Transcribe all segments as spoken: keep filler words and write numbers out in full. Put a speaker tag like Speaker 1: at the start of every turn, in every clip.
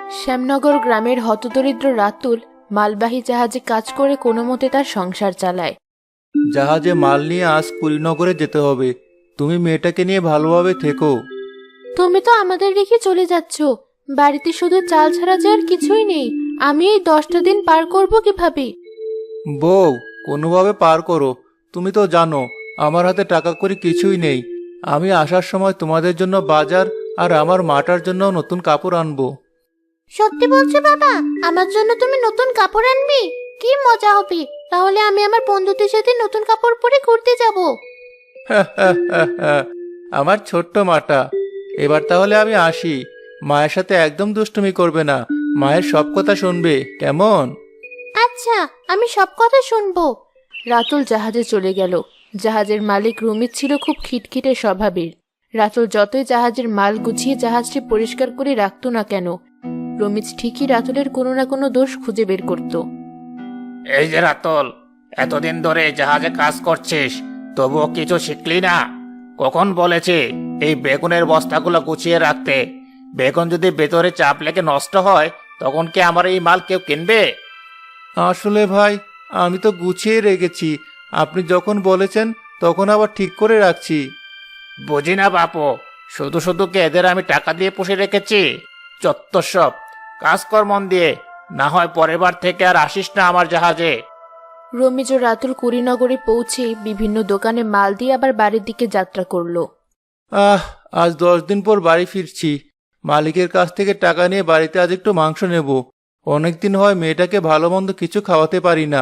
Speaker 1: শ্যামনগর গ্রামের হতদরিদ্র রাতুল মালবাহী জাহাজে কাজ করে কোনো মতে তার সংসার চালায়।
Speaker 2: জাহাজে মাল নিয়ে আজ কুড়িনগরে যেতে হবে। তুমি মেয়েটাকে নিয়ে ভালোভাবে থেকো।
Speaker 1: তুমি তো আমাদের রেখে চলে যাচ্ছ। বাড়িতে শুধু চাল ছাড়া যে আর কিছুই নেই। আমি এই দশটা দিন পার করব কিভাবে?
Speaker 2: বউ, কোনোভাবে পার করো। তুমি তো জানো আমার হাতে টাকা কড়ি কিছুই নেই। আমি আসার সময় তোমাদের জন্য বাজার আর আমার মাটার জন্য নতুন কাপড় আনবো।
Speaker 1: সত্যি বলছো বাবা? আমার জন্য তুমি নতুন কাপড় আনবি? কি মজা হবে! তাহলে আমি আমার বন্ধুদের সাথে নতুন কাপড় পরে ঘুরতে যাব।
Speaker 2: আমার ছোট্ট মাটা। এবার তাহলে আমি আসি। মায়ের সাথে একদম দুষ্টুমি করবে না। মায়ের সব কথা শুনবে, কেমন?
Speaker 1: আচ্ছা, আমি সব কথা শুনবো। রাতুল জাহাজে চলে গেল। জাহাজের মালিক রুমিত ছিল খুব খিটখিটে স্বভাবের। রাতুল যতই জাহাজের মাল গুছিয়ে জাহাজটি পরিষ্কার করে রাখতো না কেন, রমিজ ঠিকই রাতুলের কোনো না কোনো দোষ খুঁজে বের করত।
Speaker 3: এই যে রাতল, এতদিন ধরে জাহাজে কাজ করছিস, তবুও কিছু শিখলি না? কখন বলেছে এই বেগুনের বস্তাগুলো গুছিয়ে রাখতে? বেগুন যদি ভেতরে চাপ লেগে নষ্ট হয়, তখন কি আমার এই মাল কেউ কিনবে?
Speaker 2: আসলে ভাই, আমি তো গুছিয়ে রেখেছি। আপনি যখন বলেছেন তখন আবার ঠিক করে রাখছি।
Speaker 3: বুঝি না বাপু, শুধু শুধু কি এদের আমি টাকা দিয়ে পুষে রেখেছি? চত্ব সব। কাজ কর মন দিয়ে, না হয় পরের বার থেকে আর আসিস না আমার জাহাজে।
Speaker 1: রমিজ ও রাতুল কুড়িনগরে পৌঁছে বিভিন্ন দোকানে মাল দিয়ে আবার বাড়ির দিকে যাত্রা করলো।
Speaker 2: আহ, আজ দশ দিন পর বাড়ি ফিরছি। মালিকের কাছ থেকে টাকা নিয়ে বাড়িতে আজ একটু মাংস নেব। অনেকদিন হয় মেয়েটাকে ভালো মন্দ কিছু খাওয়াতে পারি না।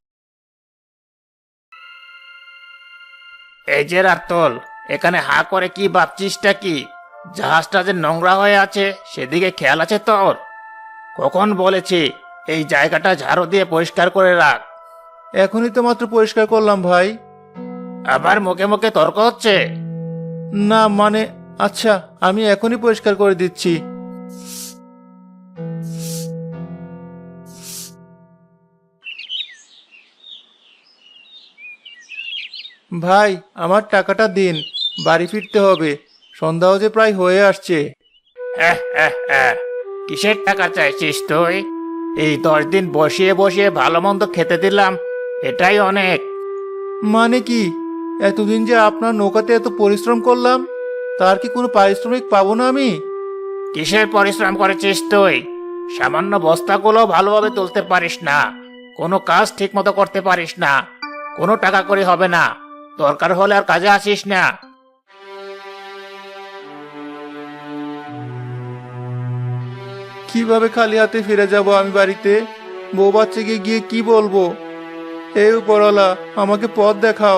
Speaker 3: এই যে রাতল, এখানে হা করে কি ভাবছিসটা কি? জাহাজটা যে নোংরা হয়ে আছে সেদিকে খেয়াল আছে তোর? কখন বলেছি এই জায়গাটা ঝাড়ু দিয়ে পরিষ্কার করে রাখ?
Speaker 2: এখনই তো মাত্র পরিষ্কার করলাম ভাই।
Speaker 3: আবার মুখে মুখে তর্ক হচ্ছে?
Speaker 2: না মানে, আচ্ছা আমি এখনই পরিষ্কার করে দিচ্ছি। ভাই, আমার টাকাটা দিন। বাড়ি ফিরতে হবে। সন্ধ্যাও যে প্রায় হয়ে আসছে।
Speaker 3: হ্যাঁ হ্যাঁ হ্যাঁ, কিসের টাকা চাইছিস তুই? এই দশ দিন বসিয়ে বসিয়ে ভালো মন্দ খেতে দিলাম, এটাই অনেক।
Speaker 2: মানে কি? এতদিন যে আপনার নৌকাতে এত পরিশ্রম করলাম, তার কি কোনো পারিশ্রমিক পাবো না আমি?
Speaker 3: কিসের পরিশ্রম করেছিস তুই? সামান্য বস্তাগুলো ভালোভাবে তুলতে পারিস না, কোনো কাজ ঠিক মতো করতে পারিস না, কোনো টাকা করে হবে না। দরকার হলে আর কাজে আসিস না।
Speaker 2: কিভাবে খালি হাতে ফিরে যাব আমি বাড়িতে? বউ বাচ্চাকে গিয়ে কি বলবো? হে উপরওয়ালা, আমাকে পথ দেখাও।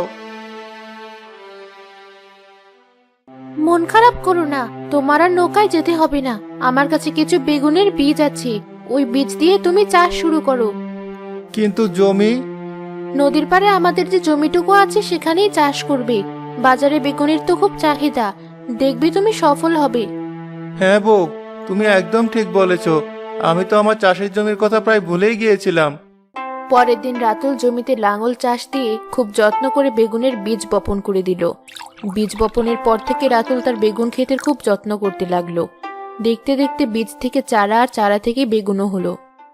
Speaker 1: মন খারাপ করো না, তোমার আর নৌকায় যেতে হবে না। আমার কাছে কিছু বেগুনের বীজ আছে, ওই বীজ দিয়ে তুমি চাষ শুরু করো।
Speaker 2: কিন্তু জমি?
Speaker 1: নদীর পাড়ে আমাদের যে জমিটুকু আছে সেখানেই চাষ করবে। বাজারে বেগুনের তো খুব চাহিদা, দেখবে তুমি সফল হবে।
Speaker 2: হ্যাঁ বউ, তুমি একদম ঠিক বলেছ। আমি তো আমার চাষের জমির কথা প্রায় ভুলেই গিয়েছিলাম।
Speaker 1: পরের দিন রাতুল জমিতে লাঙল চাষ দিয়ে খুব যত্ন করে বেগুনের বীজ বপন করে দিল। বীজ বপনের পর থেকে রাতুল তার বেগুন ক্ষেতের খুব যত্ন করতে লাগলো। দেখতে দেখতে বীজ থেকে চারা, আর চারা থেকে বেগুনও হলো।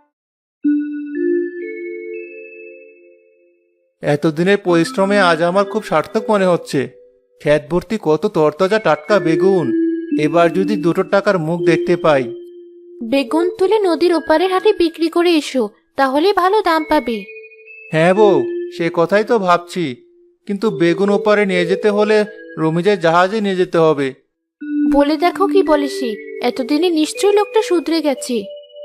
Speaker 2: এতদিনের পরিশ্রমে আজ আমার খুব সার্থক মনে হচ্ছে। ক্ষেত ভর্তি কত তরতাজা টাটকা বেগুন। এবার যদি দুটো টাকার মুখ দেখতে পাই।
Speaker 1: বেগুন তুলে নদীর ওপারের হাটে বিক্রি করে এসো, তাহলে ভালো দাম পাবে।
Speaker 2: হ্যাঁ বউ, সে কথাই তো ভাবছি। কিন্তু বেগুন ওপারে নিয়ে যেতে হলে রমিজের জাহাজে নিয়ে যেতে হবে।
Speaker 1: বলে দেখো কি বলে সে। এতদিনে নিশ্চয়ই লোকটা শুধরে গেছে।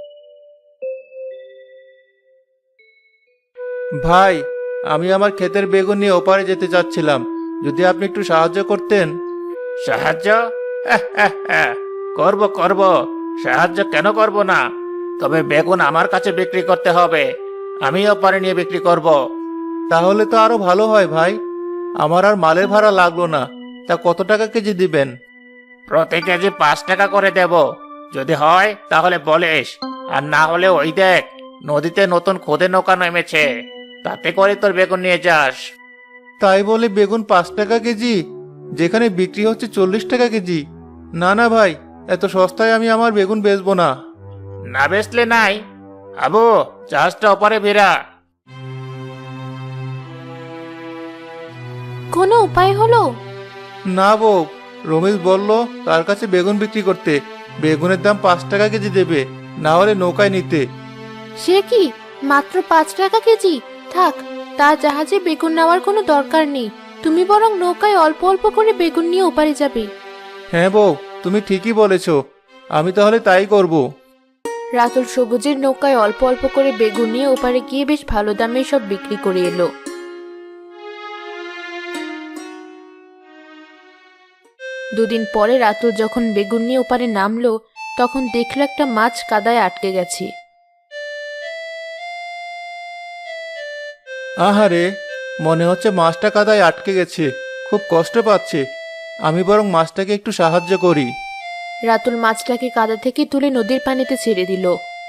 Speaker 2: ভাই, আমি আমার ক্ষেতের বেগুন নিয়ে ওপারে যেতে চাচ্ছিলাম। যদি আপনি একটু সাহায্য করতেন।
Speaker 3: সাহায্য? হ্যাঁ, হ্যাঁ, হ্যাঁ, করব করব। সাহায্য কেন করব না? তবে বেগুন আমার কাছে বিক্রি করতে হবে, আমিও পারে নিয়ে বিক্রি করব।
Speaker 2: তাহলে তো আরো ভালো হয় ভাই। আমার আর মালের ভাড়া লাগলো না। তা কত টাকা কেজি দিবেন?
Speaker 3: প্রতি কেজি পাঁচ টাকা করে দেব। যদি হয় তাহলে বলিস, আর না হলে ওই দেখ, নদীতে নতুন খোদে নৌকা নেমেছে, তাতে করে তোর বেগুন নিয়ে যাস।
Speaker 2: তাই বলে বেগুন পাঁচ টাকা কেজি, যেখানে বিক্রি হচ্ছে চল্লিশ টাকা কেজি? না না ভাই, এত সস্তায় আমি আমার বেগুন বেচবো না।
Speaker 3: না বেচলে নাই। আবু, জাহাজটা ওপারে ভিড়া।
Speaker 1: কোনো উপায় হলো?
Speaker 2: না বউ, রমেশ বলল তার কাছে বেগুন বিক্রি করতে। বেগুনের দাম পাঁচ টাকা কেজি দেবে, না হলে নৌকায় নিতে।
Speaker 1: সে কি, মাত্র পাঁচ টাকা কেজি? থাক, তা জাহাজে বেগুন নেওয়ার কোনো দরকার নেই। তুমি বরং নৌকায় অল্প অল্প করে বেগুন নিয়ে ওপারে যাবে।
Speaker 2: হ্যাঁ বউ, তুমি ঠিকই বলেছ, আমি তাহলে তাই করব।
Speaker 1: রাতুল সবুজের নৌকায় অল্প অল্প করে বেগুন নিয়ে ওপারে গিয়ে বেশ ভালো দামে সব বিক্রি করে এলো। দুদিন পরে রাতুল যখন বেগুন নিয়ে ওপারে নামলো, তখন দেখলো একটা মাছ কাদায় আটকে গেছে।
Speaker 2: আহারে, মনে হচ্ছে মাছটা কাদায় আটকে গেছে, খুব কষ্ট পাচ্ছে। আমি বরং মাছটাকে একটু সাহায্য করি।
Speaker 1: রাতুল মাছটাকে কাদা থেকে তুলে নদীর পানিতে ছেড়ে দিল।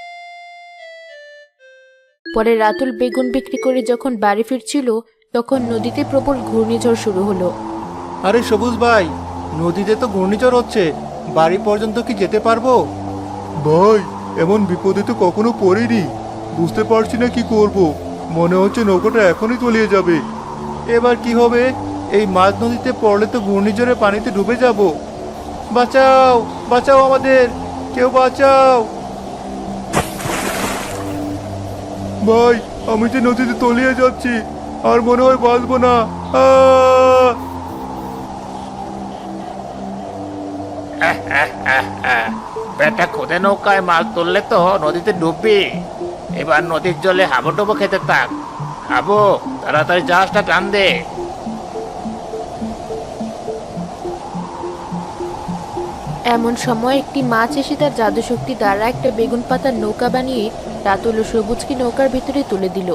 Speaker 1: পরে রাতুল বেগুন বিক্রি করে যখন বাড়ি ফিরছিল, তখন নদীতে প্রবল ঘূর্ণিঝড় শুরু হলো।
Speaker 2: আরে সবুজ ভাই, নদীতে তো ঘূর্ণিঝড় হচ্ছে, বাড়ি পর্যন্ত কি যেতে পারবো? ভাই, এমন বিপদে তো কখনো পড়িনি, বুঝতে পারছি না কি করব। মনে হচ্ছে নৌকাটা এখনই তলিয়ে যাবে। এবার কি হবে? এই মাঝ নদীতে পড়লে তো ঘূর্ণিঝড়ে পানিতে ডুবে যাব। বাঁচাও, বাঁচাও আমাদের, কেউ বাঁচাও। ভাই, আমি যে নদীতে তলিয়ে যাচ্ছি, আর মনে হয় বাঁচবো না। আহ!
Speaker 3: বেটা, খুদে নৌকায় মাছ তুললে তো নদীতে ডুববি। এবার নদীর জলে হাবুডুবু খেতে থাক। হাবু, তাড়াতাড়ি জাহাজটা টান দে।
Speaker 1: এমন সময় একটি মাছ এসে তার জাদুশক্তি দ্বারা একটা বেগুন পাতার নৌকা বানিয়ে রাতুল ও সবুজকে নৌকার ভিতরে তুলে দিল।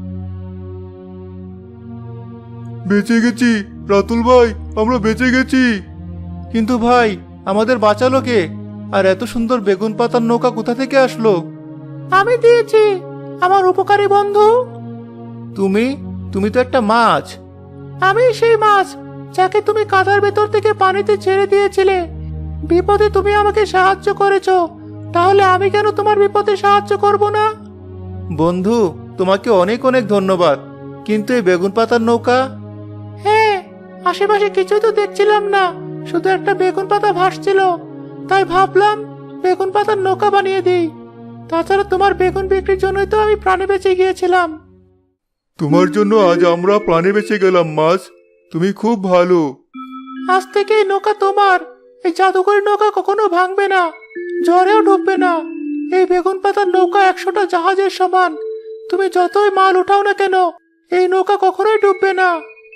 Speaker 2: বেঁচে গেছি রাতুল ভাই, আমরা বেঁচে গেছি। কিন্তু ভাই, আমাদের বাঁচালো কে? আর এত সুন্দর বেগুন পাতার নৌকা কোথা থেকে আসলো? আমি দিয়েছি, আমার উপকারী বন্ধু। তুমি তুমি তো একটা মাছ। আমি সেই মাছ যাকে তুমি কাদার ভেতর থেকে পানিতে ছেড়ে দিয়েছিলে। বিপদে তুমি আমাকে সাহায্য করেছো, তাহলে আমি কেন তোমার বিপদে সাহায্য করব না? বন্ধু, তোমাকে অনেক অনেক ধন্যবাদ। কিন্তু এই বেগুন পাতার নৌকা? হ্যাঁ, আশেপাশে কিছুই তো দেখছিলাম না, শুধু একটা বেগুন পাতা ভাসছিল, তাই ভাবলাম বেগুন পাতার নৌকা বানিয়ে দিই। তাছাড়া তোমার বেগুন বিক্রির জন্যই তো আমি প্রাণে বেঁচে গিয়েছিলাম। তোমার জন্য আজ আমরা প্রাণে বেঁচে গেলাম মাছ, তুমি খুব ভালো। আজ থেকে এই নৌকা তোমার। এই জাদুকরি নৌকা কখনো ভাঙবে না, ঝড়েও ডুববে না। এই বেগুন পাতার নৌকা একশোটা জাহাজের সমান। তুমি যতই মাল উঠাও না কেন, এই নৌকা কখনোই ডুববে না।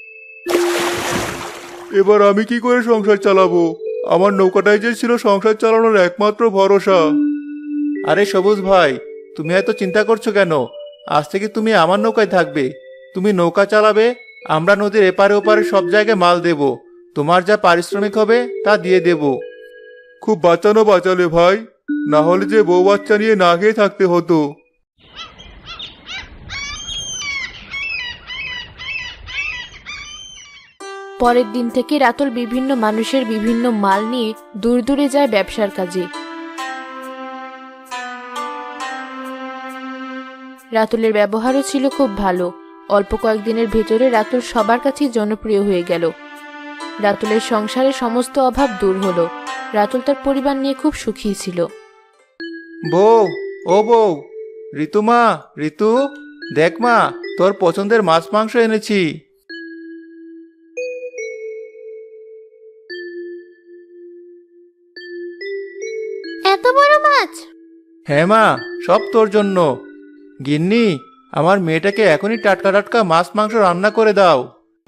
Speaker 2: এবার আমি কি করে সংসার চালাবো? আমার নৌকাটাই যে ছিল সংসার চালানোর একমাত্র ভরসা। আরে সবুজ ভাই, তুমি এত চিন্তা করছো কেন? আজ থেকে তুমি আমার নৌকায় থাকবে। তুমি নৌকা চালাবে, আমরা নদীর এপারে ওপারে সব জায়গায় মাল দেব। তোমার যা পারিশ্রমিক হবে তা দিয়ে দেব। খুব বাঁচানো বাঁচালে ভাই, না হলে যে বউ বাচ্চা নিয়ে না খেয়ে থাকতে হতো।
Speaker 1: পরের দিন থেকে রাতুল বিভিন্ন মানুষের বিভিন্ন মাল নিয়ে দূর দূরে যায় ব্যবসার কাজে। রাতুলের ব্যবহারও ছিল খুব ভালো। অল্প কয়েকদিনের ভেতরে রাতুল সবার কাছেই জনপ্রিয় হয়ে গেল। রাতুলের সংসারে সমস্ত অভাব দূর হলো। রাতুল তার পরিবার নিয়ে খুব সুখী ছিল।
Speaker 2: বউ, ও বউ, ঋতু মা, ঋতু, দেখ মা, তোর পছন্দের মাছ মাংস এনেছি।
Speaker 1: এত বড় মাছ?
Speaker 2: হ্যাঁ মা, সব তোর জন্য। গিন্নি, আমার মেয়েটাকে এখনই টাটকা টাটকা মাছ মাংস রান্না করে দাও।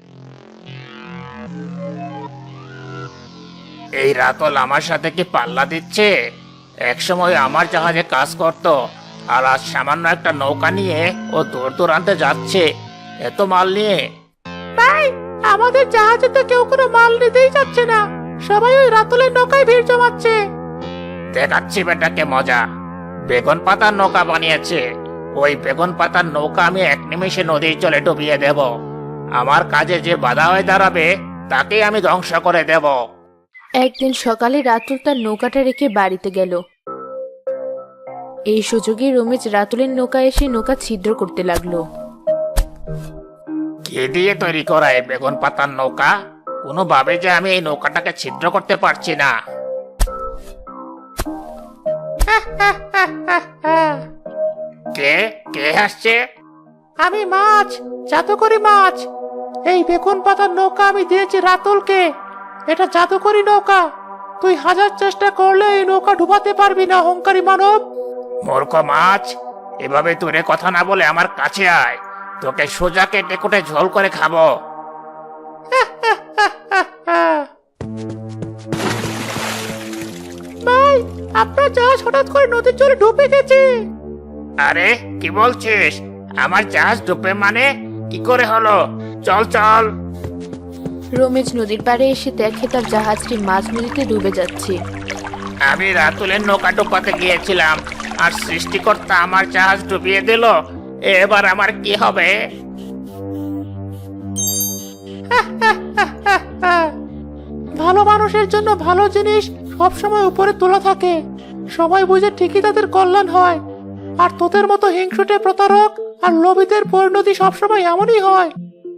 Speaker 3: এই রাতল আমার সাথে কি পাল্লা দিচ্ছে? একসময় আমার জাহাজে কাজ করত, আর আজ সামান্য একটা নৌকা নিয়ে ও দূর দূরান্তে যাচ্ছে এত মাল নিয়ে।
Speaker 1: ভাই, আমাদের জাহাজে তো কেউ কোনো মাল নিতেই যাচ্ছে না, সবাই ওই রাতুলের নৌকায় ভিড় জমাচ্ছে।
Speaker 3: দেখাচ্ছি বেটাকে মজা। বেগুন পাতার নৌকা বানিয়েছে। ওই বেগুন পাতার নৌকা আমি এক নিমেষে নদীর জলে ডুবিয়ে দেব। আমার কাজে যে বাধা হয়ে দাঁড়াবে তাকেই আমি ধ্বংস করে দেব।
Speaker 1: একদিন সকালে রাতুল তার নৌকাটা রেখে বাড়িতে গেল। এই সুযোগে রমেশ রাতুলের নৌকা এসে নৌকা ছিদ্র করতে লাগলো।
Speaker 3: কে দিয়ে তৈরি করা এই বেগুন পাতার নৌকা? কোনোভাবে যে আমি এই নৌকাটাকে ছিদ্র করতে পারছি না। কে কে হাসছে?
Speaker 2: আমি মাছ, জাদুকরি মাছ। এই বেগুন পাতার নৌকা আমি দিয়েছি রাতুলকে। এটা জাদুকরি নৌকা। তুই হাজার চেষ্টা করলে এই নৌকা ডুবাতে পারবি না, অহংকারী মানব।
Speaker 3: মূর্খ মাছ, এভাবে দূরে কথা না বলে আমার কাছে আয়, তোকে সোজা কেটে কুটে ঝোল করে খাবো।
Speaker 2: ভাই, আপনার জাহাজ হঠাৎ করে নদীর জলে ডুবে গেছে।
Speaker 3: আরে কি বলছিস? আমার জাহাজ ডুবে মানে? কি করে হলো? চল চল।
Speaker 1: রমেশ নদীর পাড়ে এসে দেখে তার জাহাজটি মাঝ নদীতে ডুবে যাচ্ছে।
Speaker 3: আমি রাতুলের নৌকা ডুবাতে গিয়েছিলাম, আর সৃষ্টিকর্তা আমার জাহাজ ডুবিয়ে দিল। এবার আমার কি হবে?
Speaker 2: ভালো মানুষের জন্য ভালো জিনিস সবসময় উপরে তোলা থাকে। সবাই বুঝে ঠিকই তাদের কল্যাণ হয়। আর তোদের মতো হিংসুটে প্রতারক আর লোভীদের পরিণতি সবসময় এমনই হয়।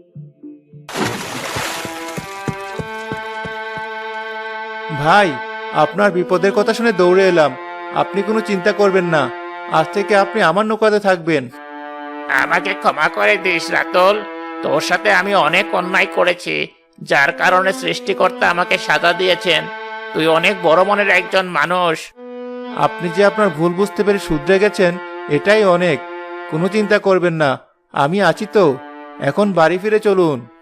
Speaker 2: ভাই, আপনার বিপদের কথা শুনে দৌড়ে এলাম। আপনি কোনো চিন্তা করবেন না। আজ থেকে আপনি আমার নৌকাতে থাকবেন।
Speaker 3: আমাকে ক্ষমা করে দিস রাতুল। তোর সাথে আমি অনেক অন্যায় করেছি, যার কারণে সৃষ্টিকর্তা আমাকে সাজা দিয়েছেন। তুই অনেক বড় মনের একজন মানুষ।
Speaker 2: আপনি যে আপনার ভুল বুঝতে পেরে শুধরে গেছেন, এটাই অনেক। কোনো চিন্তা করবেন না, আমি আছি তো। এখন বাড়ি ফিরে চলুন।